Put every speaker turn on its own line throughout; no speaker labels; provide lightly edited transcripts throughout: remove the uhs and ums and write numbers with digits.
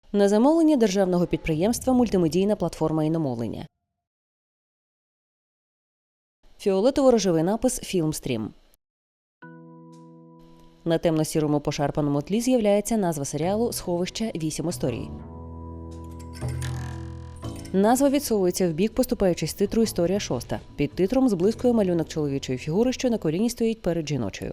На замовлення державного підприємства «Мультимедійна платформа іномовлення». Фіолетово-рожевий напис «Філмстрім». На темно-сірому пошарпаному тлі з'являється назва серіалу «Сховище. 8 історій». Назва відсовується в бік, поступаючись титру «Історія 6». Під титром зблискує малюнок чоловічої фігури, що на коліні стоїть перед жіночою.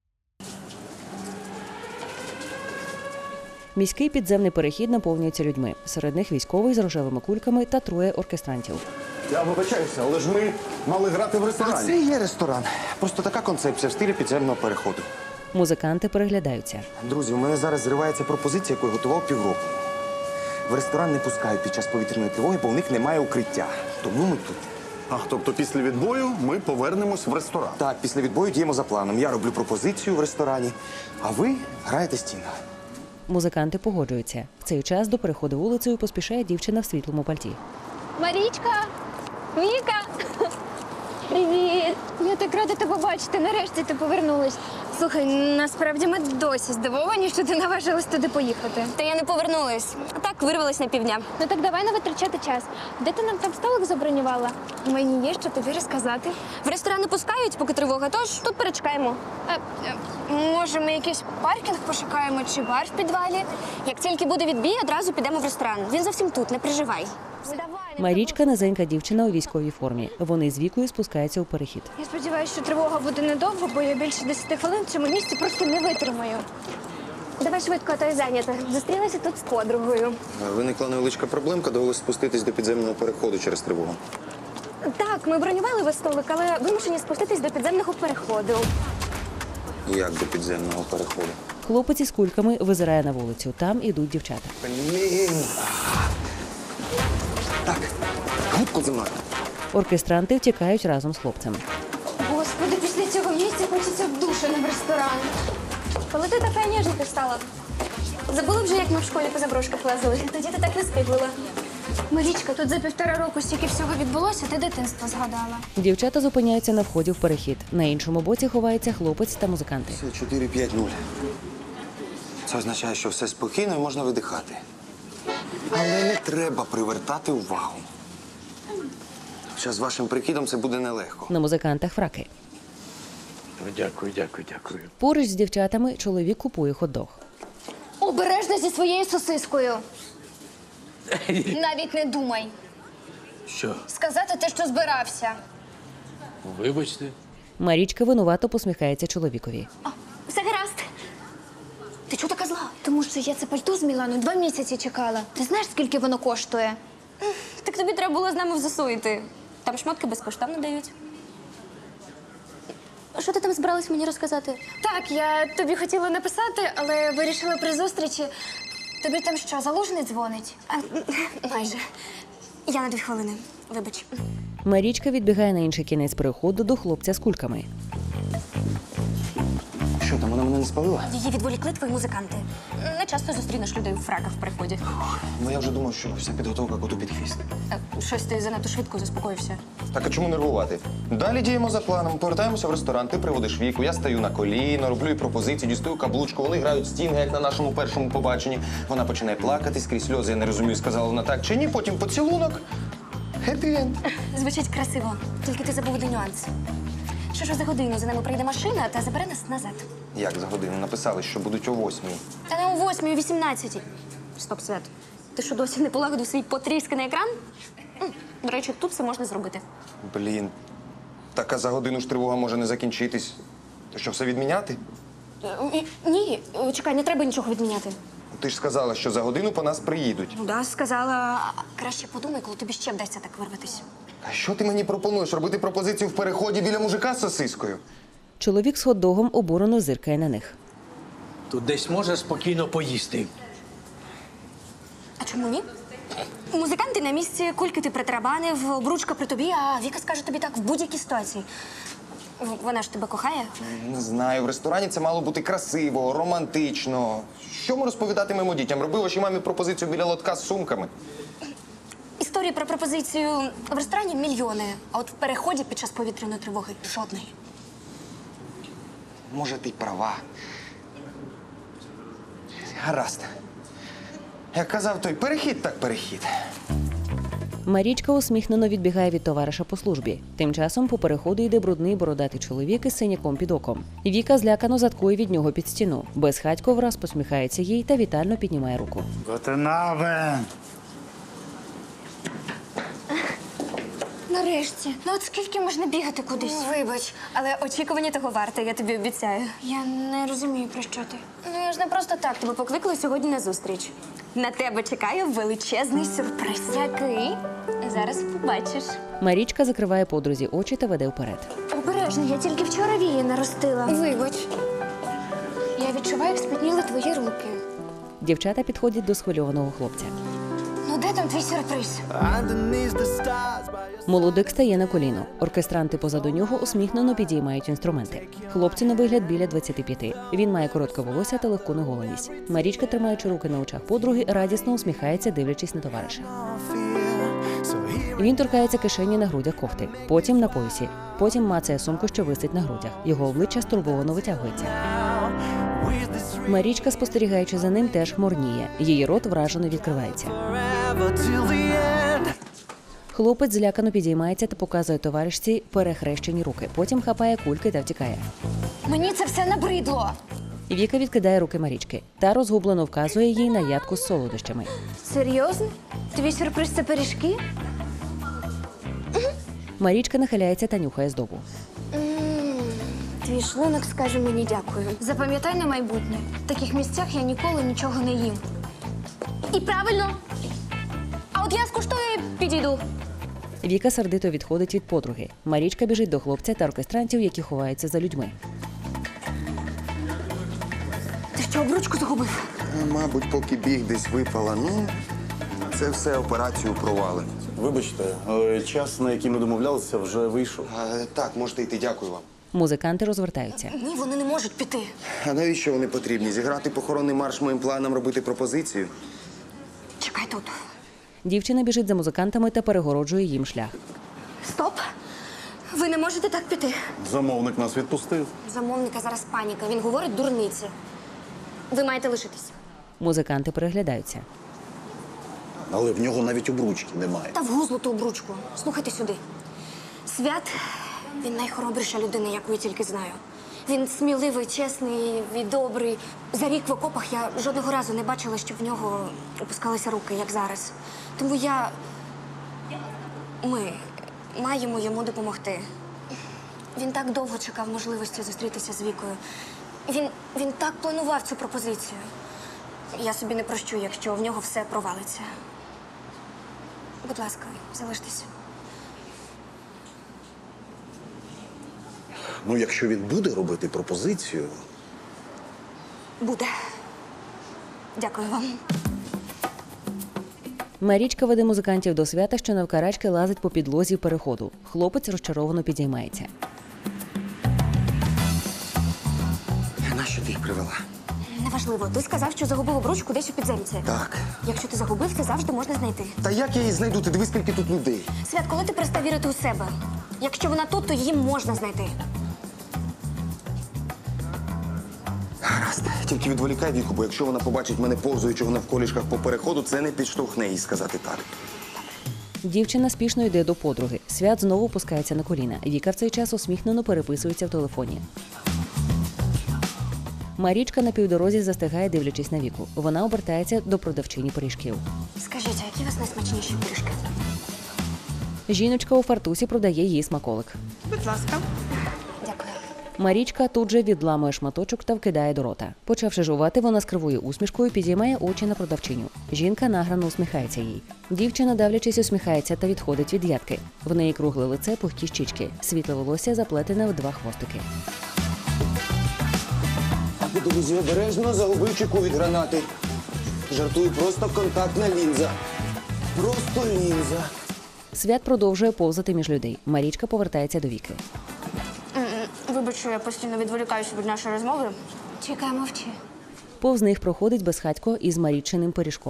Міський підземний перехід наповнюється людьми. Серед них військовий з рожевими кульками та троє оркестрантів.
Я вибачаюся, але ж ми мали грати в ресторані.
А це є ресторан. Просто така концепція в стилі підземного переходу.
Музиканти переглядаються.
Друзі, у мене зараз зривається пропозиція, яку я готував півроку. В ресторан не пускають під час повітряної тривоги, бо у них немає укриття. Тому ми тут.
Тобто після відбою ми повернемось в ресторан.
Так, після відбою діємо за планом. Я роблю пропозицію в ресторані, а ви граєте стіну.
Музиканти погоджуються. В цей час до переходу вулицею поспішає дівчина в світлому пальті.
Марічка! Віка! Привіт! Я так рада тебе бачити. Нарешті ти повернулась. Слухай, насправді ми досі здивовані, що ти наважилась туди поїхати.
Та я не повернулась. А так вирвалась на півдня.
Ну так давай не витрачати час. Де ти нам там столик забронювала? Мені є що тобі розказати.
В ресторан не пускають, поки тривога, тож тут перечекаємо.
Може, ми якийсь паркінг пошукаємо чи бар в підвалі?
Як тільки буде відбій, одразу підемо в ресторан. Він зовсім тут, не переживай.
Марічка – низенька дівчина у військовій формі. Вони з Вікою спускаються у перехід.
Я сподіваюся, що тривога буде недовго, бо я більше 10 хвилин в цьому місці просто не витримаю. Давай швидко, а то я зайнята. Зустрілася тут з подругою.
Виникла невеличка проблемка, довелося спуститись до підземного переходу через тривогу.
Так, ми бронювали весь столик, але вимушені спуститись до підземного переходу.
Як до підземного переходу?
Хлопець із кульками визирає на вулицю. Там ідуть дівчата.
Блін! Так, гудку зі мною.
Оркестранти втікають разом з хлопцями.
Господи, після цього місця хочеться в душу, не в ресторан. Коли ти така ніжненька стала? Забула вже, як ми в школі по заброшках лазили? Тоді ти так не скиглила. Марічка, тут за 1,5 року стільки всього відбулося, ти дитинство згадала.
Дівчата зупиняються на вході в перехід. На іншому боці ховається хлопець та музиканти.
Це 4-5-0. Це означає, що все спокійно і можна видихати. Але не треба привертати увагу. Хоча з вашим прикидом це буде нелегко.
На музикантах фраки.
Дякую.
Поруч з дівчатами чоловік купує хот-дог.
Обережно зі своєю сосискою. Навіть не думай.
Що?
Сказати те, що збирався.
Вибачте.
Марічка винувато посміхається чоловікові.
Все гаразд. Ти чого така зла? Тому що я це пальто з Мілану 2 місяці чекала. Ти знаєш, скільки воно коштує?
Так тобі треба було з нами в ЗСУ йти. Там шмотки безкоштовно дають.
Що ти там збиралась мені розказати? Так, я тобі хотіла написати, але вирішила при зустрічі. Тобі там що, Залужний дзвонить?
Майже. Я на 2 хвилини. Вибач.
Марічка відбігає на інший кінець переходу до хлопця з кульками.
Що там, вона мене не спалила?
Її відволікли твої музиканти. Не часто зустрінеш людей у фраках в приході.
Ну я вже думав, що вся підготовка коту під хвіст.
Щось ти занадто швидко заспокоївся.
Так, а чому нервувати? Далі діємо за планом. Повертаємося в ресторан, ти приводиш Віку, я стаю на коліно, роблю їй пропозиції, дістаю каблучку, вони грають стінги, як на нашому першому побаченні. Вона починає плакати скрізь сльози, я не розумію, сказала вона так чи ні, потім поцілунок. Хеппі-енд.
Звучить красиво, тільки ти забув один нюанс. Що ж за годину за нами прийде машина та забере нас назад.
Як за годину? Написали, що будуть о 8:00.
Та не о 8:00, о 18:00. Стоп, Свят. Ти що, досі не полагодив свій потрісканий екран? До речі, тут все можна зробити.
Блін. Так, а за годину ж тривога може не закінчитись. То що, все відміняти?
Ні, чекай, не треба нічого відміняти.
Ти ж сказала, що за годину по нас приїдуть.
Ну да, сказала. Краще подумай, коли тобі ще вдасться так вирватися.
А що ти мені пропонуєш? Робити пропозицію в переході біля мужика з сосискою?
Чоловік з хот-догом обурено зиркає на них.
Тут десь можна спокійно поїсти.
А чому ні? Музиканти на місці, кульки ти притарабанив, обручка при тобі, а Віка скаже тобі так в будь-якій ситуації. Вона ж тебе кохає.
Не знаю, в ресторані це мало бути красиво, романтично. Що ми розповідатимемо дітям? Роби вашій мамі пропозицію біля лотка з сумками.
Історії про пропозицію в ресторані мільйони, а от в переході під час повітряної тривоги жодної.
Може, ти й права. Гаразд. Як казав той, перехід так перехід.
Марічка усміхнено відбігає від товариша по службі. Тим часом по переходу йде брудний бородатий чоловік із синяком під оком. Віка злякано заткує від нього під стіну. Безхатько враз посміхається їй та вітально піднімає руку.
Готенабе!
Нарешті. Ну от скільки можна бігати кудись? Вибач, але очікування того варте, я тобі обіцяю. Я не розумію, про що ти. Ну я ж не просто так тебе покликала сьогодні на зустріч. На тебе чекає величезний сюрприз. Який? Зараз побачиш.
Марічка закриває подрузі очі та веде вперед.
Обережно, я тільки вчора вії наростила. Вибач. Я відчуваю, як спітніли твої руки.
Дівчата підходять до схвильованого хлопця.
Ну де там твій сюрприз?
Молодик стає на коліно. Оркестранти позаду нього усміхнено підіймають інструменти. Хлопцю на вигляд біля 25. Він має коротке волосся та легку неголеність. Марічка, тримаючи руки на очах подруги, радісно усміхається, дивлячись на товариша. Він торкається кишені на грудях кофти, потім на поясі, потім мацає сумку, що висить на грудях. Його обличчя стурбовано витягується. Марічка, спостерігаючи за ним, теж хмурніє. Її рот вражено відкривається. Хлопець злякано підіймається та показує товаришці перехрещені руки. Потім хапає кульки та втікає.
Мені це все набридло.
Віка відкидає руки Марічки та розгублено вказує їй на ядку з солодощами.
Серйозно? Твій сюрприз це пиріжки?
Марічка нахиляється та нюхає здобу.
Твій шлунок скаже мені дякую. Запам'ятай на майбутнє. В таких місцях я ніколи нічого не їм. І правильно. А от я скуштую і підійду.
Віка сердито відходить від подруги. Марічка біжить до хлопця та оркестрантів, які ховаються за людьми.
Ти що, обручку загубив?
Мабуть, поки біг десь випала. Ну, це все операцію провали. Вибачте, але час, на який ми домовлялися, вже вийшов.
Так, можете йти, дякую вам.
Музиканти розвертаються.
Ні, вони не можуть піти.
А навіщо вони потрібні? Зіграти похоронний марш моїм планам, робити пропозицію?
Чекай тут.
Дівчина біжить за музикантами та перегороджує їм шлях.
Стоп. Ви не можете так піти.
Замовник нас відпустив.
Замовника зараз паніка. Він говорить дурниці. Ви маєте лишитись.
Музиканти переглядаються.
Але в нього навіть обручки немає.
Та в гузлу ту обручку. Слухайте сюди. Свят, він найхоробріша людина, яку я тільки знаю. Він сміливий, чесний і добрий. За рік в окопах я жодного разу не бачила, щоб в нього опускалися руки, як зараз. Тому ми маємо йому допомогти. Він так довго чекав можливості зустрітися з Вікою. Він так планував цю пропозицію. Я собі не прощу, якщо в нього все провалиться. Будь ласка, залиштеся.
Ну, якщо він буде робити пропозицію.
Буде. Дякую вам.
Марічка веде музикантів до Свята, що навкарачки лазить по підлозі переходу. Хлопець розчаровано підіймається.
Нащо ти їх привела?
Неважливо. Ти сказав, що загубив обручку десь у підземці.
Так.
Якщо ти загубив, це завжди можна знайти.
Та як я її знайду? Ти дивись, скільки тут людей.
Свят, коли ти перестав вірити у себе? Якщо вона тут, то її можна знайти.
Гаразд. Тільки відволікай Віку, бо якщо вона побачить мене повзуючого навколішках по переходу, це не підштовхне їй сказати так.
Дівчина спішно йде до подруги. Свят знову опускається на коліна. Віка в цей час усміхнено переписується в телефоні. Марічка на півдорозі застигає, дивлячись на Віку. Вона обертається до продавчині пиріжків.
Скажіть, а які у вас найсмачніші пиріжки?
Жіночка у фартусі продає їй смаколик.
Будь ласка.
Дякую.
Марічка тут же відламує шматочок та вкидає до рота. Почавши жувати, вона з кривою усмішкою підіймає очі на продавчиню. Жінка награно усміхається їй. Дівчина, давлячись, усміхається та відходить від ядки. В неї кругле лице, пухкі щічки. Світле волосся заплетене в 2 хвостики.
Друзі, обережно загубив чеку від гранати. Жартую, просто контактна лінза. Просто лінза.
Свят продовжує повзати між людей. Марічка повертається до Віки.
Вибач, що я постійно відволікаюся від нашої розмови. Чекай, мовчи.
Повз них проходить безхатько із Марічиним пиріжком.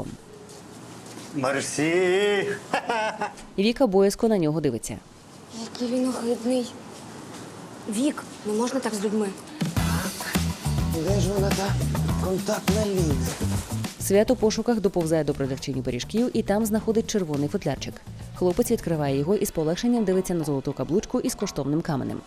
Мерсі!
Віка боязко на нього дивиться.
Який він огидний. Вік, не можна так з людьми.
Де ж вона та контактна лінза?
Свят у пошуках доповзає до продавчині пиріжків і там знаходить червоний футлярчик. Хлопець відкриває його і з полегшенням дивиться на золоту каблучку із коштовним каменем.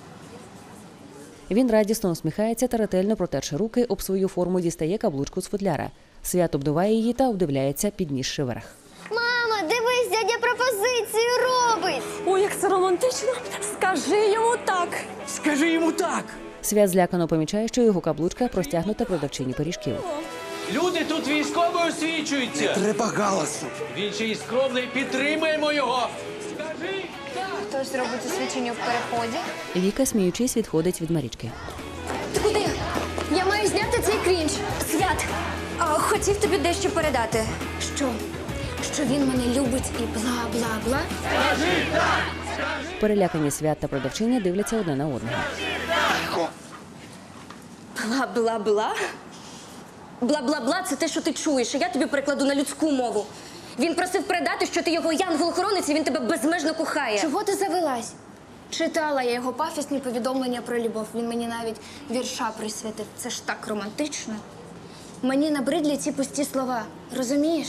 Він радісно усміхається та ретельно протерши руки, об свою форму дістає каблучку з футляра. Свят обдуває її та обдивляється, піднісши вверх.
Мама, дивись, дядя пропозицію робить.
Ой, як це романтично. Скажи йому так.
Скажи йому так!
Свят злякано помічає, що його каблучка простягнута продавчині пиріжків.
Люди тут військово освічуються!
Треба галасу.
Він ще й скромний, підтримаємо його! Скажи так!
Хтось зробить освічення в переході.
Віка, сміючись, відходить від Марічки.
Ти куди? Я маю зняти цей крінж. Свят, хотів тобі дещо передати. Що? Що він мене любить і бла-бла-бла?
Перелякані Свят та продавчиня дивляться одне на одного.
Бла-бла-бла? Бла-бла-бла – це те, що ти чуєш, а я тобі перекладу на людську мову. Він просив передати, що ти його янгол-охоронець, і він тебе безмежно кохає. Чого ти завелась? Читала я його пафісні повідомлення про любов. Він мені навіть вірша присвятив. Це ж так романтично. Мені набридлі ці пусті слова. Розумієш?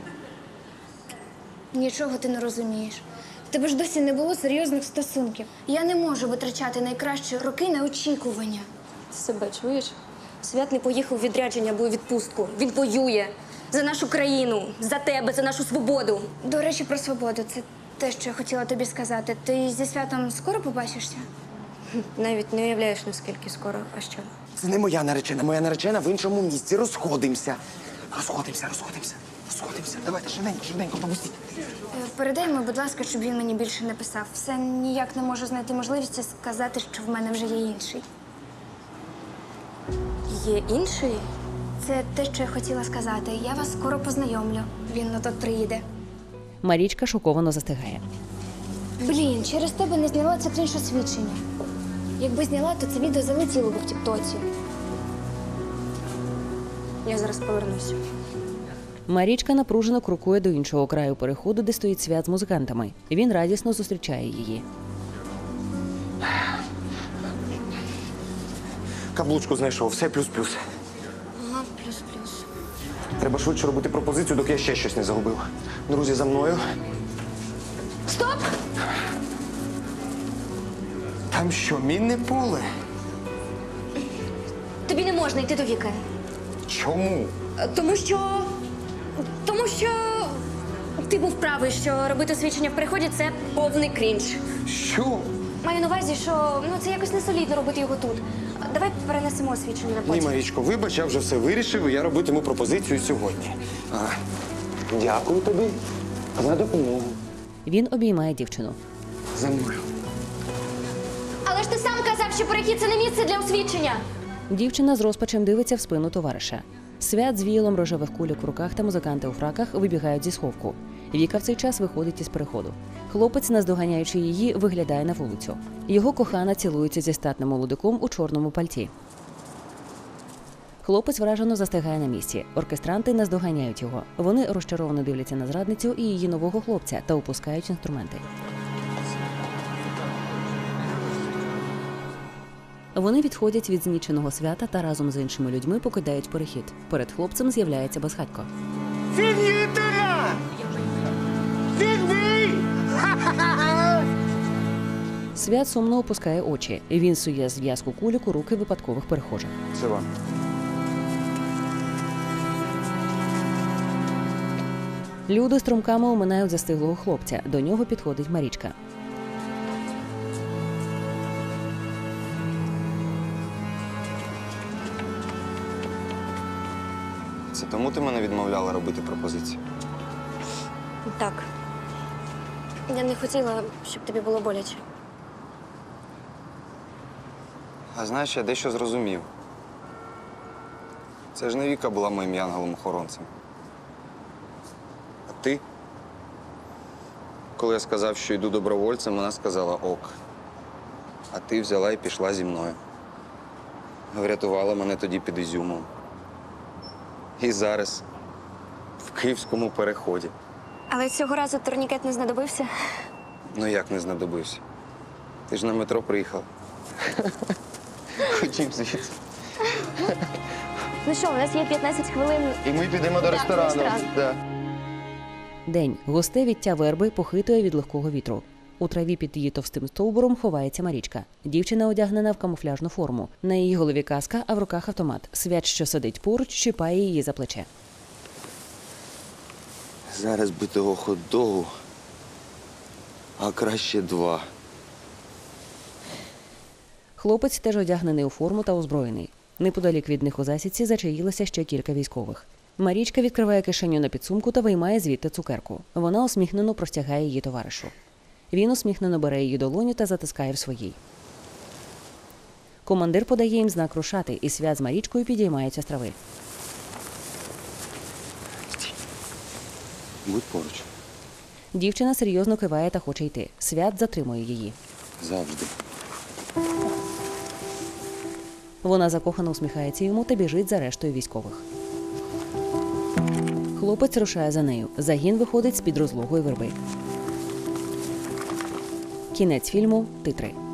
Нічого ти не розумієш. В тебе ж досі не було серйозних стосунків. Я не можу витрачати найкращі роки на очікування. Ти себе чуєш? Свят не поїхав у відрядження або у відпустку. Він воює за нашу країну, за тебе, за нашу свободу. До речі, про свободу. Це те, що я хотіла тобі сказати. Ти зі Святом скоро побачишся? Навіть не уявляєш, наскільки скоро. А що?
Це не моя наречена. Моя наречена в іншому місці. Розходимося. Розходимося. Давайте, швиденько, попустіть.
Передай йому, будь ласка, щоб він мені більше не писав. Все ніяк не можу знайти можливості сказати, що в мене вже є інший. Є інший? Це те, що я хотіла сказати. Я вас скоро познайомлю. Він на то приїде.
Марічка шоковано застигає.
Блін, через тебе не зняла це крінж-освідчення. Якби зняла, то це відео залетіло б в тіктоці. Я зараз повернуся.
Марічка напружено крокує до іншого краю переходу, де стоїть Свят з музикантами. Він радісно зустрічає її.
Каблучку знайшов, все плюс-плюс.
Ага, плюс-плюс.
Треба швидше робити пропозицію, доки я ще щось не загубив. Друзі, за мною.
Стоп!
Там що, мінне поле?
Тобі не можна йти до Віки.
Чому?
Тому що ти був правий, що робити освічення в переході – це повний крінж.
Що?
Маю на увазі, що це якось не солідно робити його тут. Давай перенесемо освічення на
Ні,
потім.
Марічко, вибач, я вже все вирішив, і я робитиму пропозицію сьогодні. Дякую тобі за допомогу.
Він обіймає дівчину.
За мною.
Але ж ти сам казав, що перехід – це не місце для освічення.
Дівчина з розпачем дивиться в спину товариша. Свят з віялом рожевих кульок в руках та музиканти у фраках вибігають зі сховку. Віка в цей час виходить із переходу. Хлопець, наздоганяючи її, виглядає на вулицю. Його кохана цілується зі статним молодиком у чорному пальті. Хлопець вражено застигає на місці. Оркестранти наздоганяють його. Вони розчаровано дивляться на зрадницю і її нового хлопця та опускають інструменти. Вони відходять від зніченого Свята та разом з іншими людьми покидають перехід. Перед хлопцем з'являється безхатько. Свят сумно опускає очі. Він сує зв'язку кульок у руки випадкових перехожих.
Це вам.
Люди струмками оминають застиглого хлопця. До нього підходить Марічка.
Це тому ти мене відмовляла робити пропозицію?
Так. Я не хотіла, щоб тобі було боляче.
А знаєш, я дещо зрозумів. Це ж не Віка була моїм янголом-охоронцем. А ти? Коли я сказав, що йду добровольцем, вона сказала ок. А ти взяла і пішла зі мною. Врятувала мене тоді під Ізюмом. І зараз в Київському переході.
Але цього разу турнікет не знадобився.
Ну як не знадобився? Ти ж на метро приїхав. Ходім звідси.
Ну що, у нас є 15 хвилин.
І ми підемо до ресторану.
ресторан.
Да.
День. Густе віття верби похитує від легкого вітру. У траві під її товстим стовбуром ховається Марічка. Дівчина одягнена в камуфляжну форму. На її голові каска, а в руках автомат. Свят, що сидить поруч, чіпає її за плече.
Зараз би того хот-догу, а краще 2.
Хлопець теж одягнений у форму та озброєний. Неподалік від них у засідці зачаїлося ще кілька військових. Марічка відкриває кишеню на підсумку та виймає звідти цукерку. Вона усміхнено простягає її товаришу. Він усміхнено бере її долоню та затискає в своїй. Командир подає їм знак рушати, і Свят з Марічкою підіймаються з трави.
Будь поруч.
Дівчина серйозно киває та хоче йти. Свят затримує її.
Завжди.
Вона закохано усміхається йому та біжить за рештою військових. Хлопець рушає за нею. Загін виходить з-під розлогої верби. Кінець фільму. Титри.